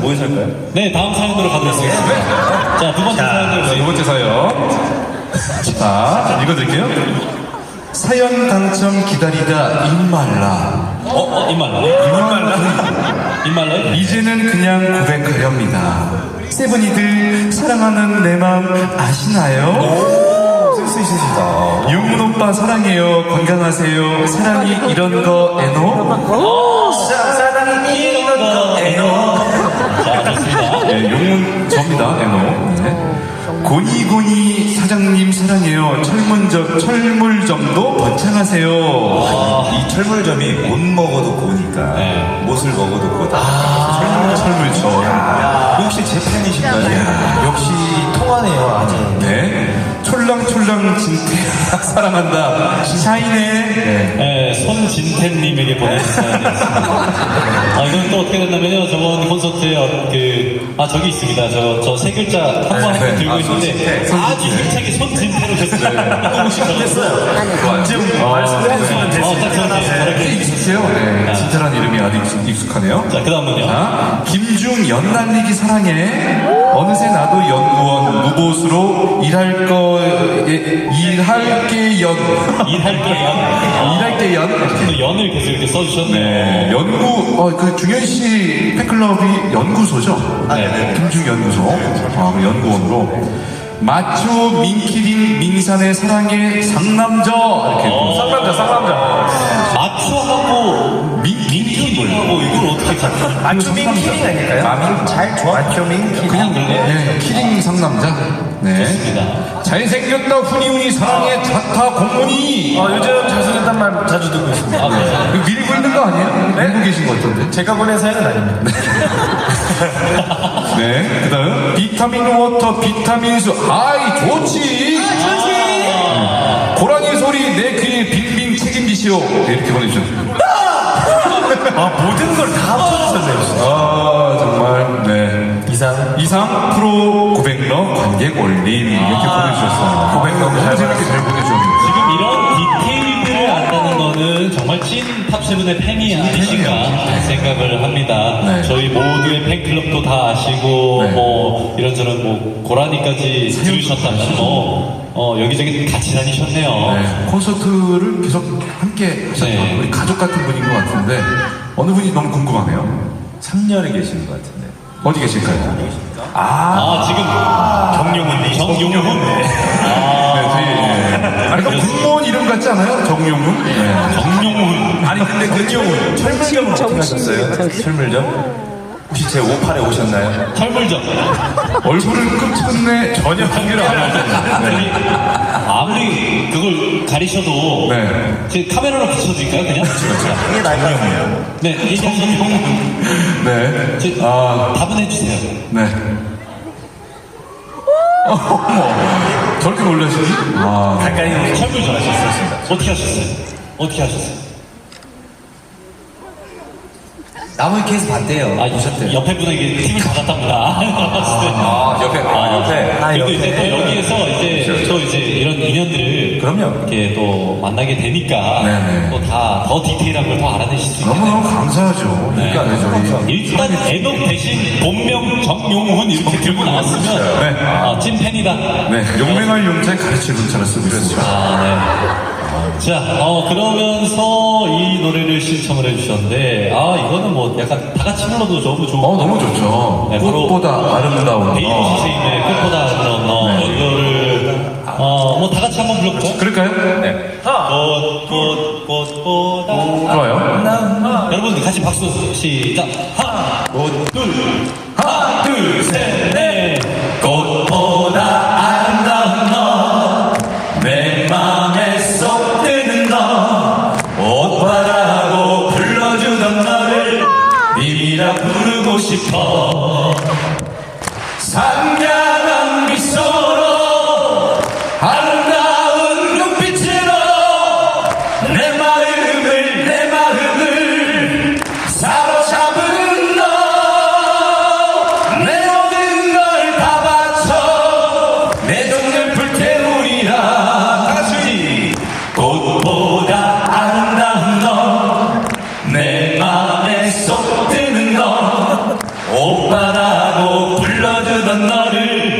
뭐에서 할까요? 네, 다음 사연으로 가도록하겠습니다. 자, 두 번째 사연으로. 두 번째 사연. 자, 읽어드릴게요. 사연 당첨 기다리다 입말라. 입말라? 이제는 그냥 고백하렵니다. 세븐이들 사랑하는 내 마음 아시나요? 센스 있으시다. 용문 오빠 사랑해요. 건강하세요. 사랑이 이런 거 에노? 사랑이 이런 거 에노. 자, 좋습니다. 네, 용문 접니다. 에노. 네. 고니고니 사장님 사랑해요. 철물점도 번창하세요. 이 철물점이 못 먹어도 고니까 네. 못을 먹어도 고다. 철물점. 혹시 제 팬이신가요? 역시 통하네요, 아주. 네. 촐랑촐랑 진태 사랑한다. 샤이네. 네. 네, 손진태님에게 보내신 사연이었습니다. 이건 또 어떻게 됐냐면요. 저번 콘서트에 저기 있습니다. 저 세 글자 한 번 네. 들고 있는데 아주 힘차게 손진태로 줬어요. 너무 됐어요. 언제부터 말씀해주시면 딱 저렇게 있으세요? 네. 진짜란 이름이 아주 익숙하네요. 자, 그 다음은요. 자, 김중 연날리기 사랑해. 어느새 나도 연구원 무보수로 일할 게 연. 또 연을 계속 이렇게 써주셨네요. 네, 그 중현 씨 팬클럽이 연구소죠? 네. 김중 연구소. 그 연구원으로. 마초 민키링 민산의 사랑의 상남자. 이렇게. 쌍남자. 마초하고 민키하고 이걸 어떻게 같이. 마초민 키링 아닐까요? 마민 잘 좋아. 마초민 키링. 그냥 그래. 네, 키링 상남자. 네. 좋습니다. 잘생겼다 후니후니 사랑의 자타 공무니. 요즘 잘생겼단 말 자주 듣고 있습니다. 이거 밀고 있는 거 아니에요? 밀고 계신 것 같던데. 제가 보낸 사연은 아닙니다. 네. 그 다음. 비타민 워터, 비타민수. 아이, 좋지. 고라니 소리 내 귀에 빙빙 책임지시오. 네, 이렇게 보내주셨습니다. 모든 걸 다 합쳐주셨네요. 정말. 네. 이상 프로 고백러 관객 올림. 이렇게 보내주셨어요. 고백러 너무 재밌게 잘 보내주셨네요. 지금 이런 디테일들을 안다는 거는 정말 찐 탑세븐의 팬이 아니신가 생각을 합니다. 네. 저희 모두의 팬클럽도 다 아시고 네. 뭐 이런저런 고라니까지 들으셨다면 여기저기 같이 다니셨네요. 네, 콘서트를 계속 함께 하셨던 네. 우리 가족 같은 분인 것 같은데 어느 분이 너무 궁금하네요. 3년에 계시는 것 같은데. 어디 계실까요? 지금 정용훈. 네, 저희 아니 그러니까 군무원 이름 같지 않아요? 정용훈? 네. 정용훈. 아니 근데 근용은 철물점은 어떻게 하셨어요? 철물점? 혹시 제 58에 오셨나요? 철물점. 얼굴은 끝끝내 전혀 관계를 안 하죠. 아무리 그걸 가리셔도 네. 제 카메라로 비춰드릴까요 그냥? 이게 나이요. 네, 얘기하시면 네. 답은 해주세요. 네. 어머, 저렇게 놀라시니? 가까이 철물점 하셨습니다. 어떻게 하셨어요? 나무 케이스 봤대요. 오셨대요. 옆에 분에게 팀을 받았답니다. 옆에. 그리고 이제 또 여기에서 이제 이런 인연들을 그럼요. 이렇게 또 만나게 되니까 네네. 또 더 디테일한 걸 더 알아내실 수 있겠네요. 너무너무 감사하죠. 그러니까 저희 일단 애덕 대신 본명 정용훈 이렇게 들고 나왔으면 네. 찐 팬이다. 네, 용맹할 용자에 가르칠 문자를 쓰고 있습니다. 자, 그러면서 이 노래를 신청을 해주셨는데, 이거는 뭐 약간 다 같이 불러도 너무 좋은. 너무 좋죠. 네, 바로 꽃보다 아름다운 베이비 선생님의 꽃보다 아름다운 너. 이거를, 뭐 다 같이 한번 불러볼까요? 그럴까요? 네. 꽃보다. 좋아요. 여러분 같이 박수 시작. 하나, 둘, 셋, 넷. 꽃보다 아름다운 너. 내 맘에 쏙 드는 너. 오빠라고 불러주던 너를 님이라 부르고 싶어. 상냥한 미소로 아름다운 눈빛으로 내 마음을 사로잡은 너. 내 모든 걸 다 바쳐 내 정을 불태우리라. 다같이 꽃보다 아름다운 너. 내 맘에 쏙 드는 너. 오빠 사랑하고 불러주던 너를